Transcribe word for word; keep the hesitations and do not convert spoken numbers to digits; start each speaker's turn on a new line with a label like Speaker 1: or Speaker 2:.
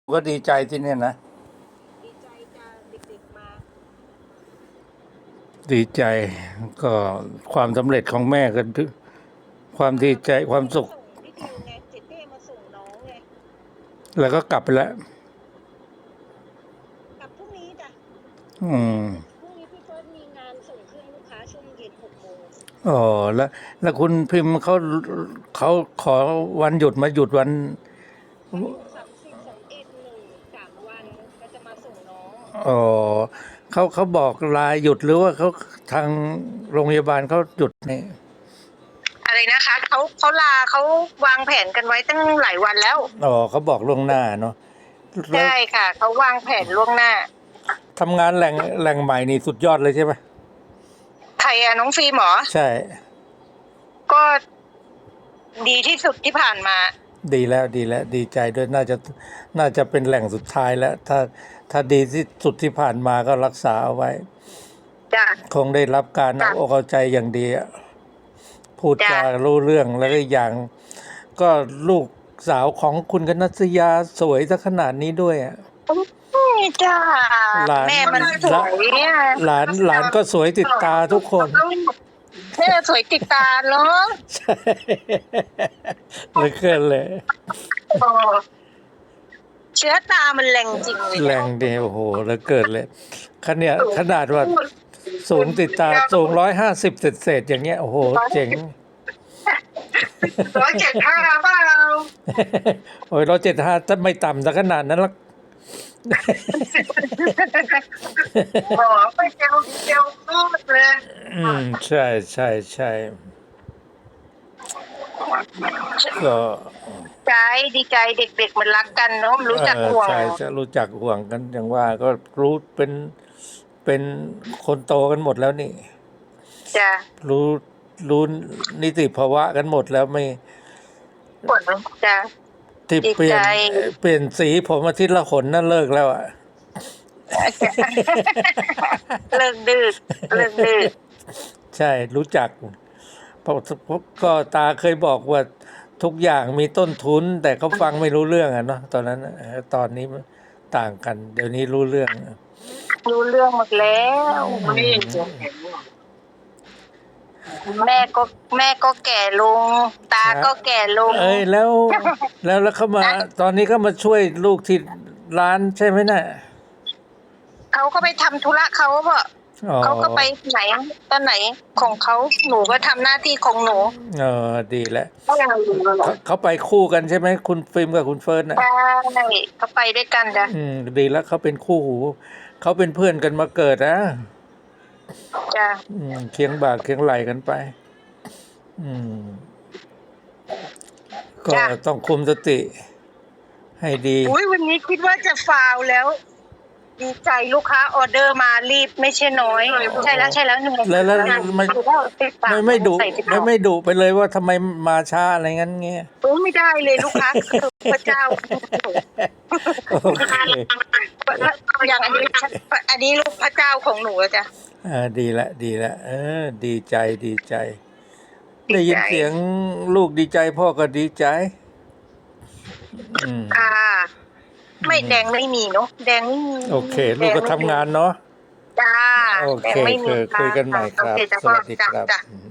Speaker 1: ก็ดีใจที่เนี่ยนะ
Speaker 2: ดีใจจะเด็กๆมา
Speaker 1: ดีใจก็ความสำเร็จของแม่ก็ความดีใจความสุข
Speaker 2: ส่งพี่ทิวไงเจเป้มาส่งน้องไง
Speaker 1: แล้วก็กลับไปแล้ว
Speaker 2: กลับพรุ่งนี้จ้ะ
Speaker 1: อืม
Speaker 2: พรุ่งนี้พี่เฟิร์สมีงานส่งเครื่องลูกค้าช่วงเย็นหกโมง
Speaker 1: อ๋อแล้วแล้วคุณพิมพ์เขาเขาขอวันหยุดมาหยุดวัน
Speaker 2: วันหยุดสามสิบสองเอ็ดหนึ่งสามวันก็จะมาส่งน้อง
Speaker 1: อ๋อเขาเขาบอกลาหยุดหรือว่าเขาทางโรงพยาบาลเขาหยุดนี่
Speaker 2: อะไรนะคะเขาเขาลาเขาวางแผนกันไว้ตั้งหลายวันแล้ว
Speaker 1: อ๋อเขาบอกล่วงหน้าเนาะแล้ว
Speaker 2: ใช่ค่ะเขาวางแผนล่วงหน้า
Speaker 1: ทำงานแหล่งแหล่งใหม่นี่สุดยอดเลยใช่ไหม
Speaker 2: ใครอะน้องฟิล์มเหรอ
Speaker 1: ใช่
Speaker 2: ก็ดีที่สุดที่ผ่านมา
Speaker 1: ดีแล้วดีแล้วดีใจด้วยน่าจะน่าจะเป็นแหล่งสุดท้ายแล้วถ้าถ้าดีที่สุดที่ผ่านมาก็รักษาเอาไว้
Speaker 2: จ้ะ
Speaker 1: คงได้รับการเอาอกเอาใจอย่างดีอะพูดจารู้เรื่องแล้วก็อย่าง ก็ลูกสาวของคุณกนัสยาสวยซะขนาดนี้ด้วยอ่ะ
Speaker 2: จ้า
Speaker 1: หลาน
Speaker 2: แม่มันสวยเนี่ย
Speaker 1: หลานหลานก็สวยติดตาทุกคน
Speaker 2: แม่สวยติดตาเนาะ
Speaker 1: ใช่เหลยเกินเลย
Speaker 2: เชื้อตามันแรงจริงเลย
Speaker 1: แรงเดียวโอ้โหเหลือเกินเลยขนาดขนาดว่าสูงติดตาสูงร้อยห้าสิบเศษๆอย่างเงี้ยโอ้โหเจ๋ง
Speaker 2: ร้อยเจ็ดห้าเปล่า
Speaker 1: โอ้ยร้อยเจ็ดห้าถ้าไม่ต่ำซะขนาดนั้นละ
Speaker 2: หมอไปเจลเจลพูดเลย
Speaker 1: อืมใช่ใช่ใช่ก็
Speaker 2: ใจดีใจเด็กๆมันรักกันเนาะรู้จักห่วง
Speaker 1: ใช่จะรู้จักห่วงกันอย่างว่าก็รู้เป็นเป็นคนโตกันหมดแล้วนี่
Speaker 2: จ้ะ
Speaker 1: รู้รู้นิติภาวะกันหมดแล้วไม่
Speaker 2: ปวดจ้ะ
Speaker 1: ที่เปลี่ยนเปลี่ยนสีผมอาทิตย์ละขนนั่นเลิกแล้วอ่ะ
Speaker 2: เลิกดื้อเลิกดื้อ
Speaker 1: ใช่รู้จักเพราะก็ตาเคยบอกว่าทุกอย่างมีต้นทุนแต่เขาฟังไม่รู้เรื่องอ่ะเนาะตอนนั้นตอนนี้ต่างกันเดี๋ยวนี้รู้เรื่อง
Speaker 2: รู้เรื่องหมดแล้วแม่ก็แม่ก็แก่ลงตาก็แก่ลง
Speaker 1: เอ้ยแล้วแล้วแล้วเขามาตอนนี้ก็มาช่วยลูกที่ร้านใช่ไหมน่ะ
Speaker 2: เขาก็ไปทำธุระเขาเปล่าเขาก็ไปไหนตอนไหนของเขาหนูก็ทำหน้าที่ของหนู
Speaker 1: เออดีแล้วเขาไปคู่กันใช่ไหมคุณฟิล์มกับคุณเฟิร์นน่ะ
Speaker 2: ใช่เขาไปด้วยกันจ้ะ
Speaker 1: อืมดีแล้วเขาเป็นคู่หูเขาเป็นเพื่อนกันมาเกิดนะ
Speaker 2: จ้ะ
Speaker 1: อืมเคียงบ่าเคียงไหลกันไปอืมก็ต้องคุมสติให้ดี
Speaker 2: อุ้ยวันนี้คิดว่าจะฟาวแล้วดีใจลูกค้าออเดอร์มารีบไม่ใช่น้อยใช่แล้วใช่แล้วหนึ่ง
Speaker 1: แล้วแล้วไม่ไม่ไม่ดุไม่ไม่ดุไปเลยว่าทำไมมาช้าอะไรงั้นเงี้ย
Speaker 2: โอ้ไม่ได้เลยลูกค้าคือพระเจ้า
Speaker 1: โอเค
Speaker 2: อย่างอันนี้อันนี้ลูกพระเจ้าของหนูจ้ะ
Speaker 1: อ่าดีละดีละเออดีใจดีใจได้ยินเสียงลูกดีใจพ่อก็ดีใจอืม
Speaker 2: ค่ะไม่แดงไม่มีเนาะแดงไม่มี
Speaker 1: โอเคลูกก็ทำงานเนาะ
Speaker 2: จ้า
Speaker 1: โอเคคุยกันใหม่ครับสวัสดีครับ